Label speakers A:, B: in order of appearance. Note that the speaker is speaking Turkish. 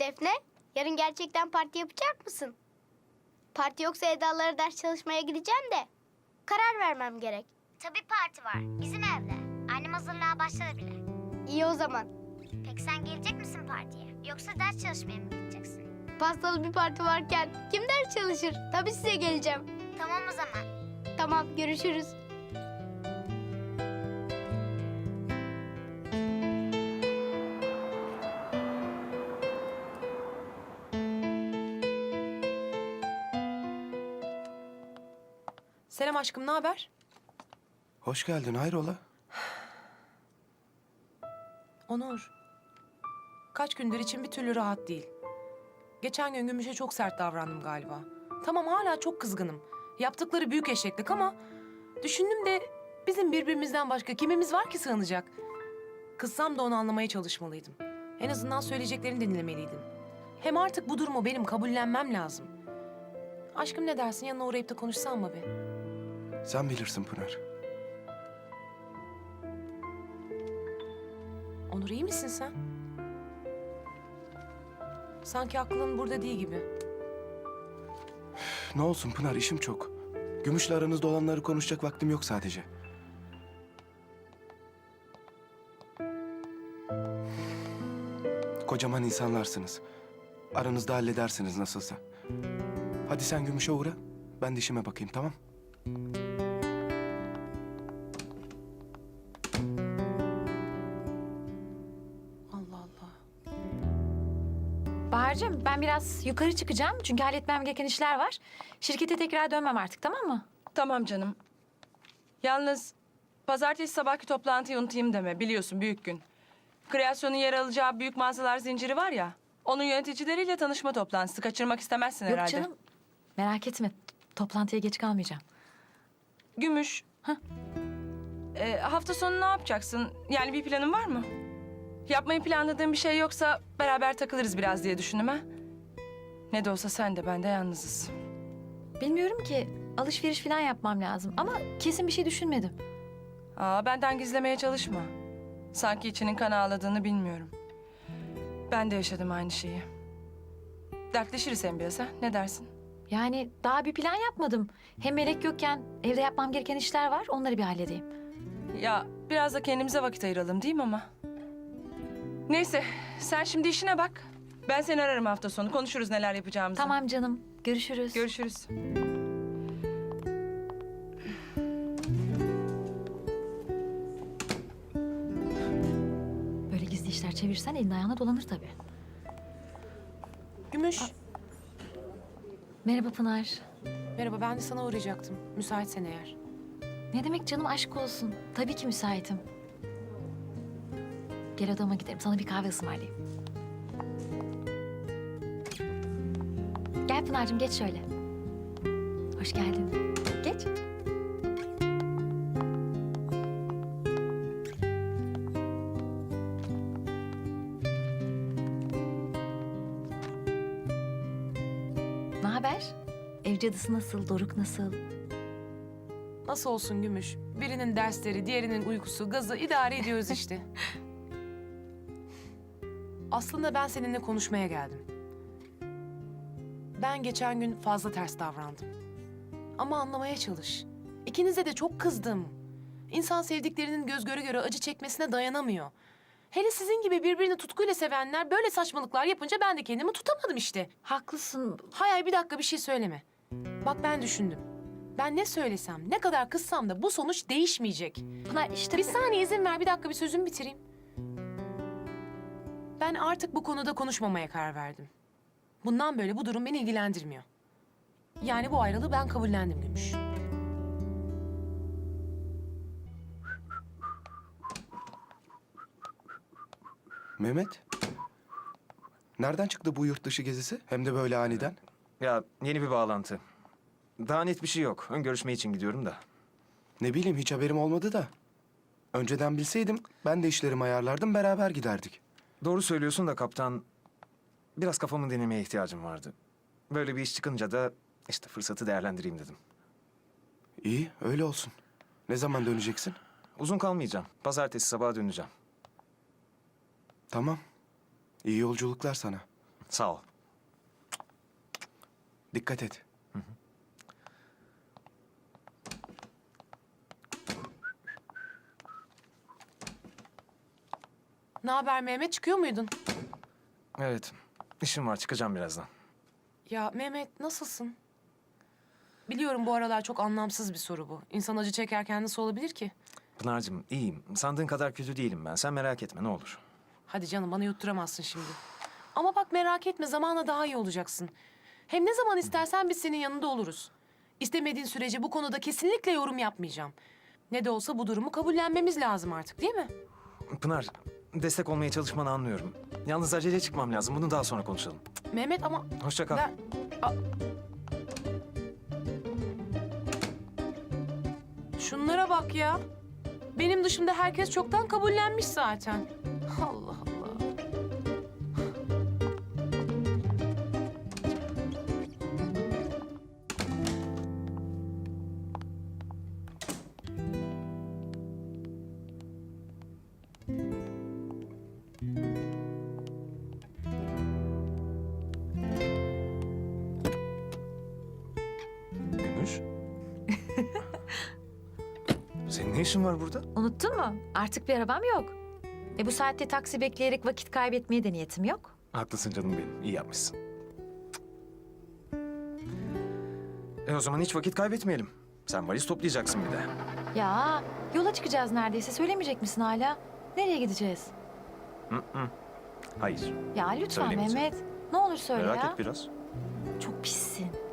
A: Defne, yarın gerçekten parti yapacak mısın? Parti yoksa Eda'lara ders çalışmaya gideceğim de. Karar vermem gerek.
B: Tabii parti var. Bizim evde. Annem hazırlığa başladı bile.
A: İyi o zaman.
B: Peki sen gelecek misin partiye? Yoksa ders çalışmaya mı gideceksin?
A: Pastalı bir parti varken kim ders çalışır? Tabii size geleceğim.
B: Tamam o zaman.
A: Tamam, görüşürüz.
C: Selam aşkım, ne haber?
D: Hoş geldin, hayrola?
C: Onur. Kaç gündür için bir türlü rahat değil. Geçen gün Gümüş'e çok sert davrandım galiba. Tamam hala çok kızgınım. Yaptıkları büyük eşeklik ama... Düşündüm de bizim birbirimizden başka kimimiz var ki sığınacak? Kızsam da onu anlamaya çalışmalıydım. En azından söyleyeceklerini dinlemeliydim. Hem artık bu durumu benim kabullenmem lazım. Aşkım ne dersin, yanına uğrayıp da konuşsam mı be?
D: Sen bilirsin Pınar.
C: Onur iyi misin sen? Sanki aklın burada değil gibi.
D: Ne olsun Pınar, işim çok. Gümüş'le aranızda olanları konuşacak vaktim yok sadece. Kocaman insanlarsınız. Aranızda halledersiniz nasılsa. Hadi sen Gümüş'e uğra, ben de işime bakayım, tamam?
C: Allah Allah.
E: Bahar'cığım ben biraz yukarı çıkacağım çünkü halletmem gereken işler var. Şirkete tekrar dönmem artık, tamam mı?
F: Tamam canım. Yalnız pazartesi sabahki toplantıyı unutayım deme. Biliyorsun büyük gün. Kreasyonun yer alacağı büyük mağazalar zinciri var ya. Onun yöneticileriyle tanışma toplantısı. Kaçırmak istemezsin
E: Yok
F: herhalde.
E: canım, merak etme. Toplantıya geç kalmayacağım.
F: Gümüş.
E: Hah.
F: Hafta sonu ne yapacaksın? Yani bir planın var mı? Yapmayı planladığın bir şey yoksa beraber takılırız biraz diye düşündüm ha. Ne de olsa sen de ben de yalnızız.
E: Bilmiyorum ki, alışveriş falan yapmam lazım ama kesin bir şey düşünmedim.
F: Benden gizlemeye çalışma. Sanki içinin kan ağladığını bilmiyorum. Ben de yaşadım aynı şeyi. Dertleşiriz hem biraz ha. Ne dersin?
E: Yani daha bir plan yapmadım. Hem Melek yokken evde yapmam gereken işler var, onları bir halledeyim.
F: Ya biraz da kendimize vakit ayıralım değil mi ama? Neyse sen şimdi işine bak. Ben seni ararım hafta sonu. Konuşuruz neler yapacağımızı.
E: Tamam canım, görüşürüz.
F: Görüşürüz.
E: Böyle gizli işler çevirsen elin ayağına dolanır tabii.
C: Gümüş.
E: Merhaba Pınar.
C: Merhaba, ben de sana uğrayacaktım. Müsaitsen eğer.
E: Ne demek canım, aşk olsun. Tabii ki müsaitim. Gel odama gidelim, sana bir kahve ısmarlayayım. Gel Pınar'cığım, geç şöyle. Hoş geldin. Geç. Ne haber? Ev cadısı nasıl, Doruk nasıl?
C: Nasıl olsun Gümüş? Birinin dersleri, diğerinin uykusu, gazı idare ediyoruz işte. Aslında ben seninle konuşmaya geldim. Ben geçen gün fazla ters davrandım. Ama anlamaya çalış. İkinize de çok kızdım. İnsan sevdiklerinin göz göre göre acı çekmesine dayanamıyor. Hele sizin gibi birbirini tutkuyla sevenler böyle saçmalıklar yapınca ben de kendimi tutamadım işte.
E: Haklısın.
C: Hayır bir dakika bir şey söyleme. Bak ben düşündüm. Ben ne söylesem, ne kadar kızsam da bu sonuç değişmeyecek.
E: Pınar işte...
C: Bir saniye izin ver, bir dakika bir sözümü bitireyim. Ben artık bu konuda konuşmamaya karar verdim. Bundan böyle bu durum beni ilgilendirmiyor. Yani bu ayrılığı ben kabullendim Gümüş.
D: Mehmet, nereden çıktı bu yurt dışı gezisi? Hem de böyle aniden.
G: Ya yeni bir bağlantı. Daha net bir şey yok. Ön görüşme için gidiyorum da.
D: Ne bileyim, hiç haberim olmadı da. Önceden bilseydim ben de işlerimi ayarlardım, beraber giderdik.
G: Doğru söylüyorsun da kaptan. Biraz kafamı dinlemeye ihtiyacım vardı. Böyle bir iş çıkınca da işte fırsatı değerlendireyim dedim.
D: İyi, öyle olsun. Ne zaman döneceksin?
G: Uzun kalmayacağım. Pazartesi sabaha döneceğim.
D: Tamam. İyi yolculuklar sana.
G: Sağ ol.
D: Dikkat et.
C: Ne haber Mehmet, çıkıyor muydun?
G: Evet, işim var. Çıkacağım birazdan.
C: Ya Mehmet, nasılsın? Biliyorum bu aralar çok anlamsız bir soru bu. İnsan acı çekerken nasıl olabilir ki?
G: Pınar'cığım iyiyim. Sandığın kadar kötü değilim ben. Sen merak etme ne olur.
C: Hadi canım, bana yutturamazsın şimdi. Ama bak, merak etme, zamanla daha iyi olacaksın. Hem ne zaman istersen biz senin yanında oluruz. İstemediğin sürece bu konuda kesinlikle yorum yapmayacağım. Ne de olsa bu durumu kabullenmemiz lazım artık, değil mi?
G: Pınar, destek olmaya çalışmanı anlıyorum. Yalnız acele çıkmam lazım. Bunu daha sonra konuşalım.
C: Mehmet ama...
G: Hoşça kal.
C: Ben... Şunlara bak ya. Benim dışımda herkes çoktan kabullenmiş zaten. Allah Allah.
G: Gümüş. Senin ne işin var burada?
E: Unuttun mu? Artık bir arabam yok. Bu saatte taksi bekleyerek vakit kaybetmeye de niyetim yok.
G: Haklısın canım benim. İyi yapmışsın. O zaman hiç vakit kaybetmeyelim. Sen valiz toplayacaksın bir de.
E: Ya yola çıkacağız neredeyse. Söylemeyecek misin hala? Nereye gideceğiz?
G: Hayır.
E: Ya lütfen
G: Söylemeyeceğim.
E: Mehmet. Ne olur söyle
G: Merak
E: ya.
G: et biraz.
E: Çok pissin.